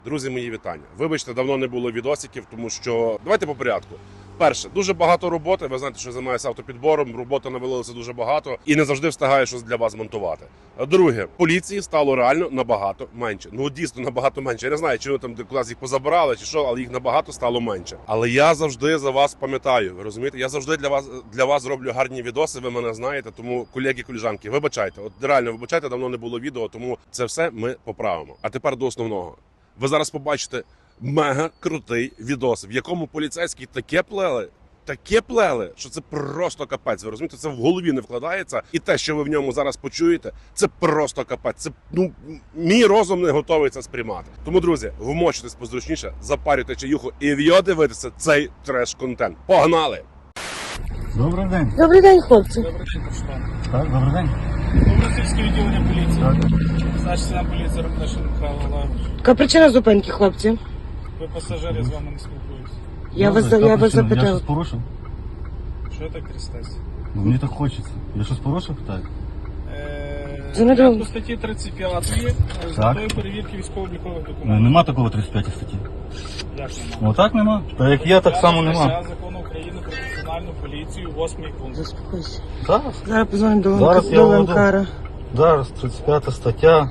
Друзі, мої вітання. Вибачте, давно не було відосиків, тому що давайте по порядку. Перше, дуже багато роботи. Ви знаєте, що я займаюся автопідбором. Роботи навалилося дуже багато і не завжди встигаю щось для вас монтувати. Друге, поліції стало реально набагато менше. Ну дійсно набагато менше. Я не знаю, чи вони там кудись їх позабирали, чи що, але їх набагато стало менше. Але я завжди за вас пам'ятаю. Ви розумієте? Я завжди для вас зроблю гарні відоси. Ви мене знаєте. Тому колеги, колежанки, вибачайте. От реально вибачайте, давно не було відео, тому це все ми поправимо. А тепер до основного. Ви зараз побачите мега крутий відос, в якому поліцейські таке плели, що це просто капець. Ви розумієте, це в голові не вкладається. І те, що ви в ньому зараз почуєте, це просто капець. Це, мій розум не готовий це сприймати. Тому, друзі, вмочитесь позручніше, запарюйте чаюху і в'йо дивитися цей треш-контент. Погнали! Добрий день. Добрий день, хлопці. Добрий день, капітан. Так, добрий день. Добросільське відділення поліції. Так. Старший сержант поліції Рокнешин Михайло Олегович. Яка причина зупинки, хлопці? Ви пасажири, з вами не спілкуюся. Я вас Я щось запитав. порушив? Що так крестась? Ну, мені так хочеться. Я щось порушив? Так. Це не добре. По статті 35 з Так. метою перевірки військово-облікових Ну, документів. нема такого 35 статті. Як нема? Отак нема? Та як є, так само нема. Закону України про національну поліцію, 8 пункт. Заспокойся. Зараз. Зараз позвонимо до Зараз я до введу. Ленкара. Зараз 35 стаття.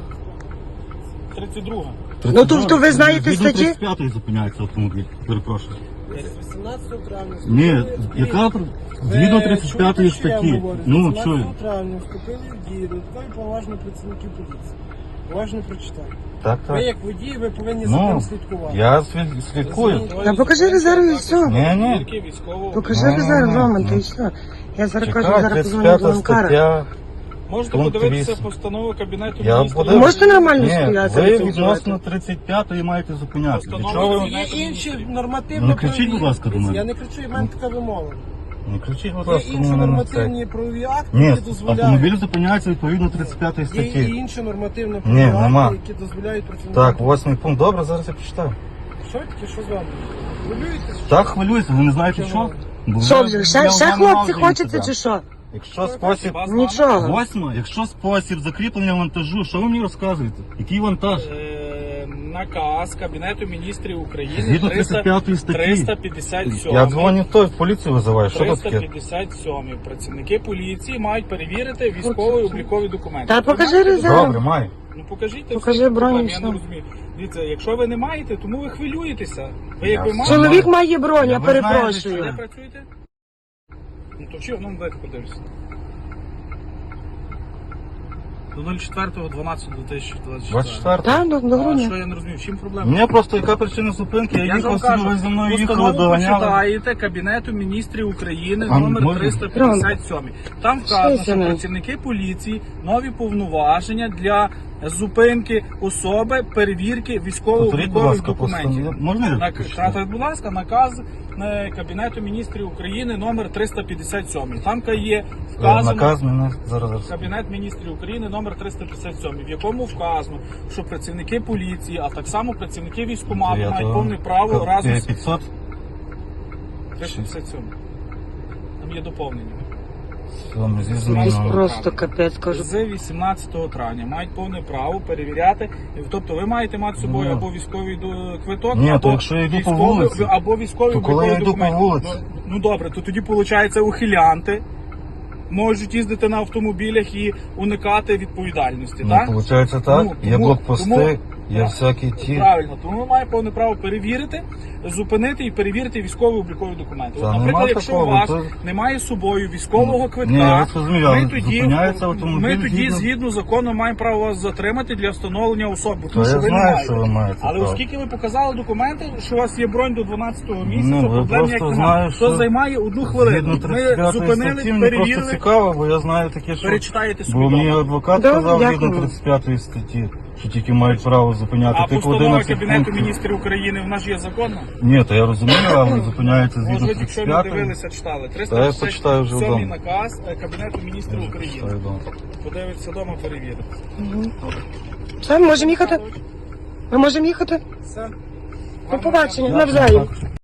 32. Ну, тобто ви знаєте Згідно статті? 35 зупиняється автомобіль. Перепрошую. 18 травня. Ні, яка? Згідно 35 статті. Ну, що? 18 травня вступили в дію додаткові поважні працівники поліції. Уважно прочитайте. Так, Ви так. як водій, ви повинні за Ну, тим слідкувати. я слідкую. Та покажи резерв і все. Ні. Покажи Ну, резерв, ну, Роман, ну. та і все. Я зараз кажу, Чекай, зараз позвоню до 35 Ленкара. стаття. Можете Пункт подивитися 8. постанову Кабінету Я міністрів. подивлюсь. Можете нормально Ні, стояти? ви це відносно 35-ї маєте зупиняти. Для Постанова чого ви... Кабінету Є інші Міністрів. нормативні Не кричіть, будь ласка, до мене. Я не кричу, в мене така вимога. Не кричіть, будь Є ласка, інші мене на нормативні це. правові акти, Ні, які дозволяють. автомобіль зупиняється відповідно 35-ї Є і статті. інші нормативні Ні, правові нема. акти, які дозволяють працівникам. Так, 8 пункт. Добре, зараз я почитаю. Що таке, що з вами? Хвилюєтесь? Так, хвилююся, ви не знаєте що? Бо Що я- вже? я Ще вам хлопці намазую хочеться сюди. чи що? Якщо спосіб... Нічого. 8, якщо спосіб закріплення вантажу, що ви мені розказуєте? Який вантаж? Наказ Кабінету міністрів України Згідно 35 статті. 357. Я дзвоню той, в поліцію визиваю. Що тут таке? 357. Працівники поліції мають перевірити військові облікові документи. Та Ви покажи маєте резерв. Добре, маю. Ну покажіть, Покажи всі броню, проблеми, я все. не розумію. Дивіться, якщо ви не маєте, тому ви хвилюєтеся. Ви Я якби все маєте... Чоловік має бронь, я Ви знаєте, Де перепрошую. працюєте? Ну то чи, ну дайте подивлюся. До 04.12.2024. 24. Так, до А грудня. що я не розумію, в чим проблема? Мені просто яка причина зупинки? Я Я ж вам їхав собі, ви кажу, зі мною їхали, постанову доганяли. почитаєте Кабінету міністрів України А номер можна? 357. Там вказано, Що що це? працівники поліції нові повноваження для зупинки особи, перевірки Повторіть, будь військово-облікових ласка, документів. постанову. Можна я прочитаю? Будь ласка, наказ Кабінету міністрів України номер 357. Там є вказано Наказ мене зараз. Кабінет міністрів України номер 357, в якому вказано, що працівники поліції, а так само працівники військкомату мають повне право разом з 500? 357. Там є доповнення. Зі Якийсь зміною. просто капець, кажу. З 18 травня мають повне право перевіряти. Тобто ви маєте мати з собою Ну. або військовий квиток, Ні, або то якщо я йду по військовий- вулиці, або військовий то коли я обліковий йду по документ. вулиці? Ну добре, то тоді виходить ухилянти можуть їздити на автомобілях і уникати відповідальності, Ну, так? виходить так. Тому- Є тому- блокпости, тому- є всякі ті. Правильно, тому ми маємо повне право перевірити, зупинити і перевірити військово-облікові документи. Та От, нема наприклад, якщо у такого, вас то- немає з собою військового квитка, Ні, я розумію, але ми тоді, зупиняється автомобіль ми тоді згідно- згідно закону маємо право вас затримати для встановлення особи, То тому що я ви не знаю, маєте. що ви маєте Але право. оскільки ви показали документи, що у вас є бронь до 12-го місяця, Ну, ви проблем просто ніяких знаю, немає. що То займає одну хвилину. Згідно Ми 35 зупинили, статті, мені просто перевірили, цікаво, бо я знаю таке, що... перечитаєте собі Бо мені дома. адвокат Добре, сказав згідно дякую. 35 статті, що тільки мають право зупиняти А тих постанова 11 Кабінету пунктів. міністрів України в нас є законна? Ні, то я розумію, але зупиняється Може, згідно ви якщо не 35. дивилися, читали. Та я почитаю вже 357 вдома. наказ Кабінету міністрів України. Почитаю вдома. Подивиться вдома, перевірити. Все, ми можемо їхати? Ми можемо їхати? Все. До побачення, навзаєм.